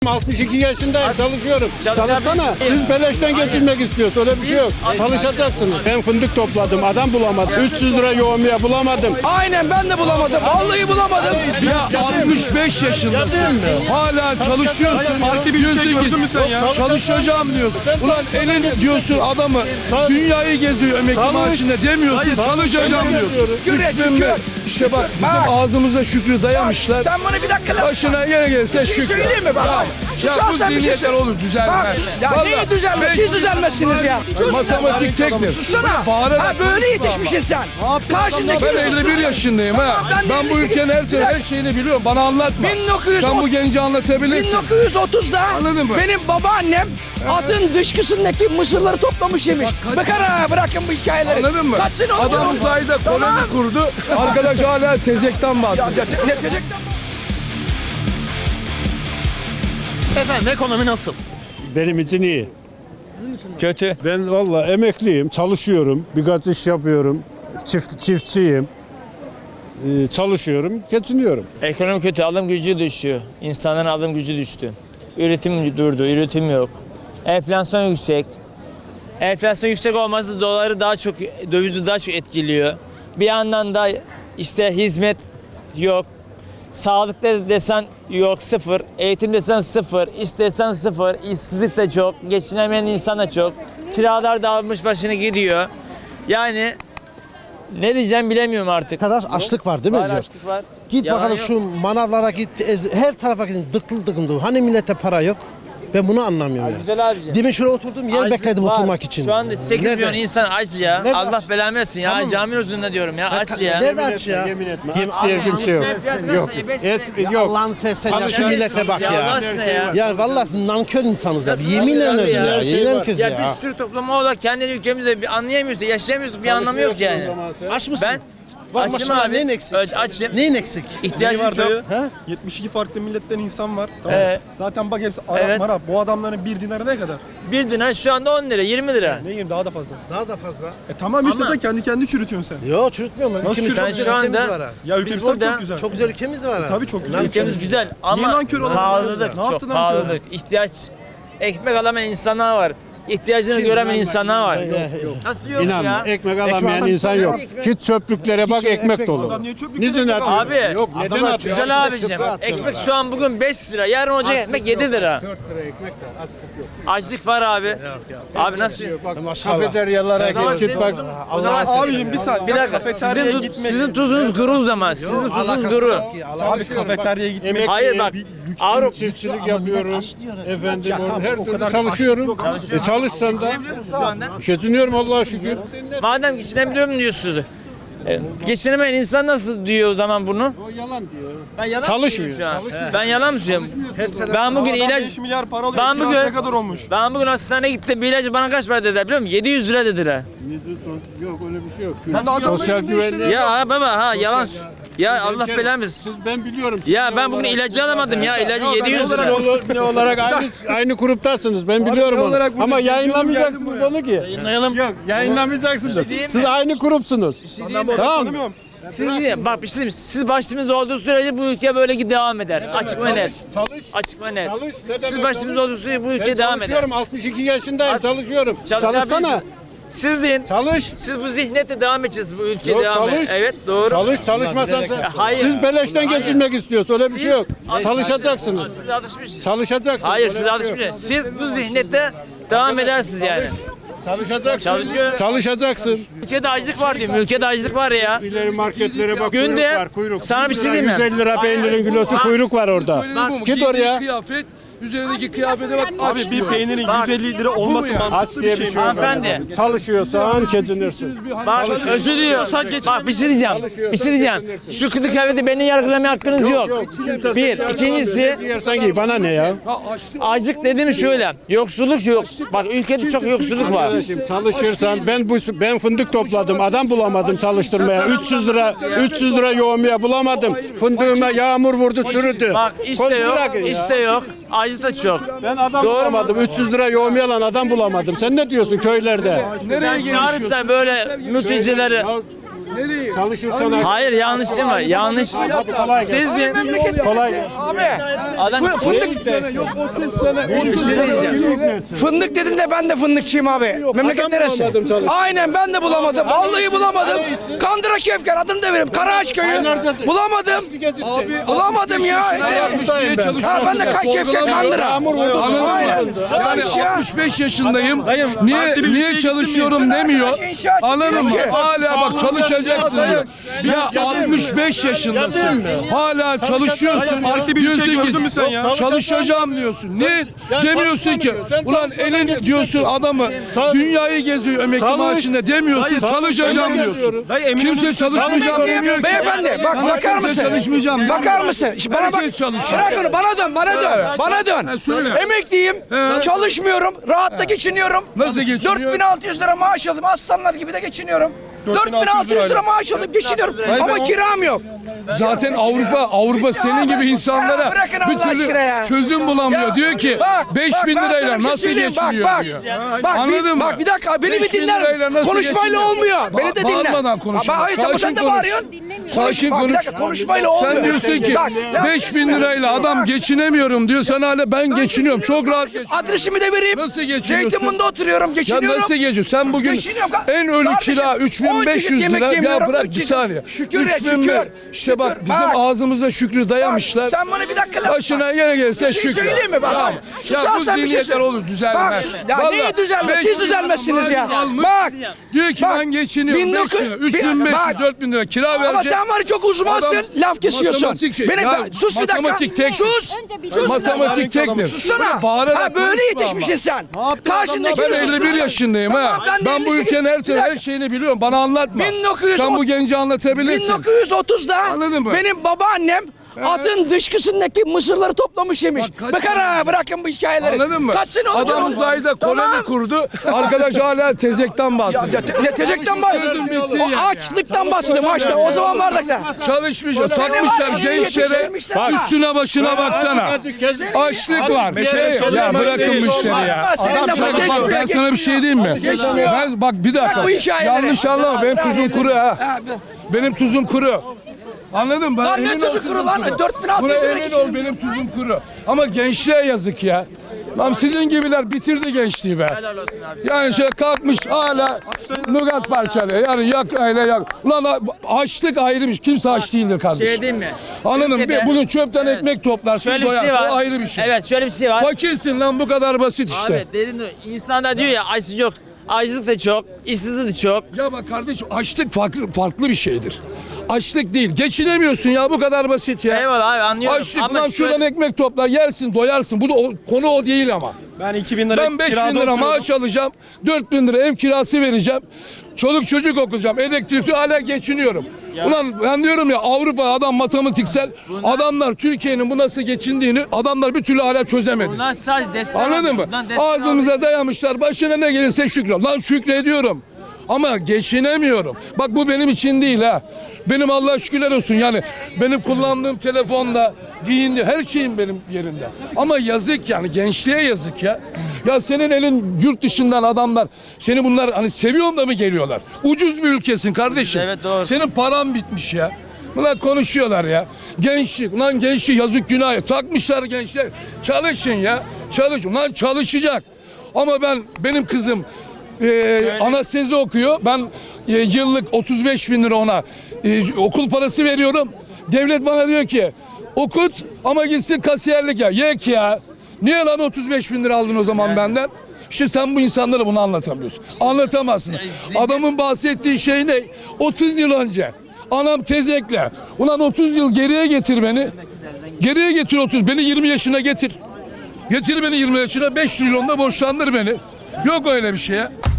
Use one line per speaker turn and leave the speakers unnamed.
62 yaşındayım, çalışıyorum. Çalışsana. Siz beleşten geçirmek istiyorsunuz. Öyle bir şey yok. Çalışacaksınız. Ben fındık topladım. Adam bulamadım. 300 lira yoğurmaya bulamadım.
Aynen, ben de bulamadım. Vallahi bulamadım.
Ya 65 yaşındasın. Hala çalışıyorsun.
Farklı bir ülke gördün mü sen ya?
Çalışacağım diyorsun. Ulan elin diyorsun adamı dünyayı geziyor emekli maaşında demiyorsun. Çalışacağım diyorsun. Üçten bir. İşte bak bizim ağzımıza Şükrü dayamışlar.
Sen bana bir dakika laf.
Başına yine gelse
Bir şey
Şükrü.
söyleyeyim mi bak?
Ya bu
Susarsan bir şey
zihniyetler
söyle.
olur düzelmez.
Bak, ya neyi düzelmez? Siz düzelmezsiniz ya. Sus.
Matematik teknik.
Sussana.
Bağırarak
Ha böyle yetişmişsin sen. Karşındaki
Ben 51 yaşındayım ha.
Ben de
Ben bu
58.
ülkenin her şeyini biliyorum. Bana anlatma.
1930
Sen bu genci anlatabilirsin.
1930'da
Anladın mı?
benim babaannem atın dışkısındaki mısırları toplamış yemiş. Bakın ha, bırakın bu hikayeleri.
Anladın mı?
Kaç sene oldu?
Adam uzayda
Tamam.
koloni kurdu. Arkadaş hala tezekten bahsediyor.
Ne diyecektim?
Efendim ekonomi nasıl?
Benim için iyi.
Kötü.
Ben valla emekliyim, çalışıyorum. Birkaç iş yapıyorum. Çiftçiyim. Çalışıyorum, geçiniyorum.
Ekonomi kötü, alım gücü düşüyor. İnsanların alım gücü düştü. Üretim durdu, üretim yok. Enflasyon yüksek. Enflasyon yüksek olması doları daha çok, dövizi daha çok etkiliyor. Bir yandan da işte hizmet yok. Sağlıkta desen yok, sıfır. Eğitim desen sıfır. İş desen sıfır. İşsizlik de çok. Geçinemeyen insan da çok. Kiralar da almış başını gidiyor. Yani ne diyeceğim bilemiyorum artık.
Kadar açlık var değil mi
Var,
diyor.
açlık var.
Git
Yalan
bakalım
yok.
şu manavlara git, her tarafa gidin, dıklı dıkındı. Hani millete para yok? Ben bunu anlamıyorum ya.
Güzel abicim.
Demin şuraya oturdum, yer
Açlık
bekledim
var.
oturmak için.
Şu anda 8
Nerede?
milyon insan aç ya.
Nerede
Allah
aç?
belamı versin ya.
Tamam.
Caminin üzerinde diyorum ya. Aç ya.
Nerede aç ya?
Yemin etme.
Yem-
Aç diye kimse yok. Yok. Et yok.
Allah'ını seversen ya şu millete bak
Allah
ya.
aşkına ya.
Ya vallahi nankör insanız ya. Yemin
nankör
ederim
ya?
ya. Yemin herkes
Ya
ya.
bir sürü topluma olarak kendi ülkemizde bir anlayamıyorsun, yaşayamıyorsun, bir anlamı yok yani.
Aç mısın?
Ben
Bak
açım
maşallah,
abi.
neyin eksik?
Açım.
Neyin eksik?
İhtiyacım
var
çok.
dayı?
He?
72 farklı milletten insan var. Tamam. Zaten bak hepsi Arap
Evet.
Marap. Bu adamların bir dinarı ne kadar?
Bir dinar şu anda 10 lira, 20 lira.
Ne yiyeyim daha da fazla.
Daha da fazla.
Tamam işte
Ama-
da kendi çürütüyorsun sen.
Yo çürütmüyorum ben.
Nasıl
Ülkemiz çok
çürütüyorsun?
güzel
Şu anda-
ülkemiz var ha.
Ya
Biz
ülkemiz
burada-
çok güzel.
Çok güzel ülkemiz var ha.
Tabii çok güzel.
Ülkemiz güzel ama
Niye nankör olalım?
pahalılık
Ne
çok,
yaptın nankör?
pahalılık. İhtiyaç, ekmek alamayan insanlar var. İhtiyacını göremeyen insanlar var. Nasıl yok
İnan
ya?
ekmek alamayan
Ekmek
insan yok. Git çöplüklere bak ekmek dolu.
Adam niye çöplük
Nizin
yapıyor?
atıyor?
Abi,
Yok neden
adamlar
atıyor?
Güzel abicim. Ekmek şu an bugün 5 lira. Yarın olacak ekmek 7 lira.
4 lira ekmek de açlık yok.
Açlık var abi. Abi nasıl?
Bak
Maşallah.
kafeteryalara
O zaman
git
senin
bak.
tuzun- o zaman
Abicim bir saniye.
bir dakika.
Kafeteryaya
Sizin,
gitmeyin.
sizin tuzunuz kuru o zaman. Sizin tuzunuz kuru.
Abi kafeteryaya gitmek.
Emek-
Hayır bak. Avrupa
Çiftçilik yapıyorum. Efendim
tamam,
her
o
türlü
kadar
çalışıyorum. Çalışsan da
Şu anda.
geçiniyorum Allah'a şükür.
Madem geçinebiliyorum diyorsunuz. Geçinemeyen insan nasıl diyor o zaman bunu?
O yalan diyor.
Ben yalan
Çalışmıyor,
mı söylüyorum şu an? Ben yalan mı söylüyorum? Ben bugün
Adam
ilaç
5 milyar para alıyor.
Ben
Kirası
bugün-
ne kadar olmuş?
ben bugün hastaneye gittim. Bir ilacı bana kaç para dediler biliyor musun? 700 lira dediler.
Yok öyle bir şey yok.
Ben de adamın
Sosyal
elinde işte
güvenlik.
Ya baba ha yalan. Ya Allah belamı.
Siz ben biliyorum.
Ya ben bugün ilacı alamadım ya. İlacı 700 lira.
Ne olarak aynı gruptasınız. Ben biliyorum
ne
onu.
olarak bunu
Ama
geziyorum,
yayınlamayacaksınız
geldim buraya.
onu ki. Yayınlayalım. Yok, yayınlamayacaksınız.
diyeyim
Siz
mi?
aynı grupsunuz.
Ben bu adamı
Tamam.
tanımıyorum.
Siz bak bir şey diyeyim. Siz başımızda olduğu sürece bu ülke böyle devam eder. Açık ve net.
Çalış.
Açık ve net.
Çalış. Ne
Siz
demek
başımızda
çalış?
olduğu sürece bu
Ben
ülke devam eder.
çalışıyorum. 62 yaşındayım. Çalışıyorum.
Çalışabilirsiniz.
Çalışsana.
Sizin
Çalış.
siz bu zihniyetle devam edeceksiniz bu ülke
Yok,
devam eder.
çalış.
Evet doğru.
Çalış. Çalışmasan sen.
Hayır.
Siz beleşten
Hayır.
geçirmek istiyorsunuz. Öyle bir
Siz-
şey yok. Çalışacaksınız.
Siz alışmışsınız.
Çalışacaksınız.
Hayır
Öyle
siz
bir şey yok.
alışmışsınız. Siz bu zihniyette devam edersiniz yani.
Çalışacaksın.
Çalışıyorum.
Çalışacaksın.
Ülkede açlık var diyorum. Ülkede açlık var ya.
İleri marketlere bak.
Günde
kuyruk var. Kuyruk.
sana bir şey diyeyim mi?
150 lira peynirin kilosu kuyruk var orada.
Söylediğim bu mu?
Git oraya.
Giydiği kıyafet, üzerindeki kıyafete bak
Abi
aç
bir
diyor.
peynirin 150 lira olması
Aç
mantıklı
diye
bir şey mi?
Hanımefendi.
Çalışıyorsan geçinirsin.
Bak özür diliyorum. Bak bir şey diyeceğim. Bir şey diyeceğim. Şu kılık kıyafeti beni yargılamaya hakkınız yok. Bir. İkincisi
Yersen giy. Bana ne ya?
açlık dediğim şöyle. Yoksulluk yok. Bak ülkede çok yoksulluk var.
Şimdi çalışırsan ben fındık topladım. Adam bulamadım çalıştırmaya. 300 lira yoğurmaya bulamadım. Fındığıma yağmur vurdu çürüdü.
Bak işte yok.
Bırakın ya.
İşte yok. Acı da çok.
Ben adam
Doğru mu?
bulamadım. 300 lira yoğurmaya alan adam bulamadım. Sen ne diyorsun köylerde?
Sen çağırırsan böyle mültecileri
Çalışırsan
Hayır, yanlışım var. Yanlış. Sizin
kolay.
Abi.
adam
Fındık.
30 sene.
Fındık dedin de ben de fındıkçıyım abi. Memleket
Adam
neresi?
bulamadım sana.
Aynen ben de bulamadım. Vallahi bulamadım. Kandıra Kefker adını da veririm. Karaağaç köyü. Bulamadım. Bulamadım ya. Ha ben de Kefker Kandıra. Aynen.
Yani
Hiç ya.
65 yaşındayım. Niye çalışıyorum demiyor. Anladın mı? Hala bak çalışacaksın diyor. Ya 65 yaşındasın. Hala çalışıyorsun.
Farklı bir ülke gördün mü sen ya?
Çalışacağım diyorsun. Ne demiyorsun ki? Ulan elin diyorsun adamı dünyayı geziyor emekli maaşında demiyorsun. Çalışacağım diyorsun. Kimse çalışmayacağım demiyor ki.
Beyefendi bak bakar mısın?
Çalışmayacağım.
Bakar mısın? Şimdi bana bak.
Herkes çalışıyor.
Bırak onu bana dön bana dön. Bana dön.
söyle.
Emekliyim. Çalışmıyorum. Rahatla geçiniyorum.
Nasıl geçiniyor?
4600 lira maaş aldım. Aslanlar gibi de geçiniyorum. 4600 lira maaş alıp geçiniyorum. Ama kiram yok.
Zaten Avrupa senin gibi insanlara
Ya bırakın
bir
Allah
türlü
aşkına ya.
çözüm bulamıyor.
Ya,
diyor ki
bak,
5000
ben sana
lirayla
bir şey
nasıl
söyleyeyim.
geçiniyor
Bak,
diyor.
Bak,
Anladın mı?
Bak bir dakika beni bir
5000
dinler.
lirayla nasıl
Konuşmayla
geçiniyor?
olmuyor. Beni de dinle.
Bağırmadan konuş.
Hayır sen
Sakin
de
konuş.
bağırıyorsun.
Sakin
Bak, bir
konuş.
dakika konuşmayla olmuyor.
Sen diyorsun ki
Bak,
5000 lirayla adam geçinemiyorum diyor. Sen hala ben geçiniyorum. Çok rahat geçiniyorum.
Adresimi de vereyim.
Nasıl geçiniyorsun?
Zeytinburnu'nda oturuyorum.
Ya
Geçiniyorum.
nasıl geçiyorsun? Sen bugün
Geçiniyorum.
en ölü
Kardeşim,
kira 3500
yemek
lira. Ya
yemiyorum,
bırak bir
üç
saniye.
şükür ya,
3000
şükür.
İşte bak
Şükür.
bizim
Bak.
ağzımıza şükrü dayamışlar.
Sen bana bir dakika laf.
Başına yine gelse
Bir şey
şükür.
söyleyeyim mi? Bak.
Tamam. Ya bu
Susarsan bir şey
zihniyetler
söyle.
olur düzelmez.
Bak, ya
Vallahi
neyi düzelmez? Siz
5 bin
düzelmezsiniz
lira
ya.
maaş almış.
Bak.
Diyor ki
Bak.
ben geçiniyorum.
1900
3500,
bak.
4000 lira kira verecek.
Ama sen var ya çok uzmansın.
Adam
Laf kesiyorsun.
matematik şey.
Beni,
Ya,
sus bir dakika.
matematik tek-
Sus. Sus.
Matematik teknik.
Sussana.
Bağırarak
Ha böyle
konuşma
yetişmişsin sen. Karşındaki
Ben 51 yaşındayım
Tamam,
ha.
ben de
Ben bu
58
ülkenin her
Bir
türlü
dakika.
her şeyini biliyorum. Bana anlatma.
1930
Sen bu genci anlatabilirsin.
1930'da
Anladın mı?
benim babaannem atın dışkısındaki mısırları toplamış yemiş.
Bak kaç
Bakar ha bırakın bu hikayeleri.
Anladın mı?
Kaç sene oldu?
Adam uzayda koloni
Tamam.
kurdu. Arkadaş hala tezekten bahsediyor.
Ne tezekten var?
Sözüm bitti
O
yani.
açlıktan bahsediyorum açta. O zaman vardık da.
Çalışmış,
Seni
takmışlar
var ya,
gençlere.
yetiştirmişler ha.
Üstüne başına baksana. Açlık var. Ya bırakın bu işleri ya.
Senin de
Bak,
geçmiyor,
ben sana bir şey diyeyim mi?
Geçmiyor.
Ben, bak bir dakika.
Bırak bu hikayeleri.
Yanlış anlama. Benim tuzum kuru ha. Benim tuzum kuru. Anladın mı?
Lan ne
Emin ol
tuzu
tuzum
kuru lan?
kuru.
4600
Buna
lira
emin ol
geçiyor.
benim tuzum kuru. Ama gençliğe yazık ya. Lan sizin gibiler bitirdi gençliği be. Yani şey kalkmış hala nugat parçalıyor. Yani yak öyle yak. Ulan açlık ayrımış. Kimse aç değildir kardeşim.
şey değil mi?
Anladın mı?
Ülkede-
Bugün çöpten ekmek toplarsın
Şöyle bir
doyarsın.
şey var.
O ayrı bir şey.
Evet, şöyle bir şey var.
Fakirsin lan bu kadar basit işte.
Abi dedin de insanda diyor ya açlık yok. Açlık da çok, işsizlik de çok.
Ya bak kardeşim açlık farklı bir şeydir. Açlık değil. Geçinemiyorsun ya bu kadar basit ya.
Eyvallah abi anlıyorum.
Açlık
Ama
lan şuradan
şöyle-
ekmek toplar yersin doyarsın. Bu da konu o değil ama.
Ben 2000 lira
Ben 5 bin
kirada
lira
oturuyordum.
maaş alacağım. 4 bin lira ev kirası vereceğim. Çoluk çocuk okuyacağım. Elektrikli hala geçiniyorum. Ulan ben diyorum ya Avrupa adam matematiksel. Adamlar Türkiye'nin bu nasıl geçindiğini adamlar bir türlü hala çözemedi.
Bunlar sadece destek
Anladın
alıyor.
mı?
Bundan destek
Ağzımıza dayamışlar. Başına ne gelirse şükür. Lan şükrediyorum. Ama geçinemiyorum. Bak bu benim için değil ha. Benim Allah'a şükürler olsun yani. Benim kullandığım telefonda, giyindi her şeyim benim yerinde. Ama yazık yani gençliğe yazık ya. Ya senin elin yurt dışından adamlar seni bunlar hani seviyorum da mı geliyorlar? Ucuz bir ülkesin kardeşim.
Evet, doğru.
Senin paran bitmiş ya. Bunlar konuşuyorlar ya. Gençlik, ulan gençlik yazık günah. Takmışlar gençler. Çalışın ya. Çalışın. Ulan çalışacak. Ama benim kızım anestezi okuyor. Ben yıllık 35 bin lira ona okul parası veriyorum. Devlet bana diyor ki okut ama gitsin kasiyerlik ya. Yek ya. Niye lan 35 bin lira aldın o zaman benden? İşte sen bu insanlara bunu anlatamıyorsun. Anlatamazsın. Adamın bahsettiği şey ne? 30 yıl önce. Anam tezekle. Ulan 30 yıl geriye getir beni. Geriye getir 30. Beni 20 yaşına getir. Getir beni 20 yaşına 5 trilyonda borçlandır beni. Yok öyle bir şey ya.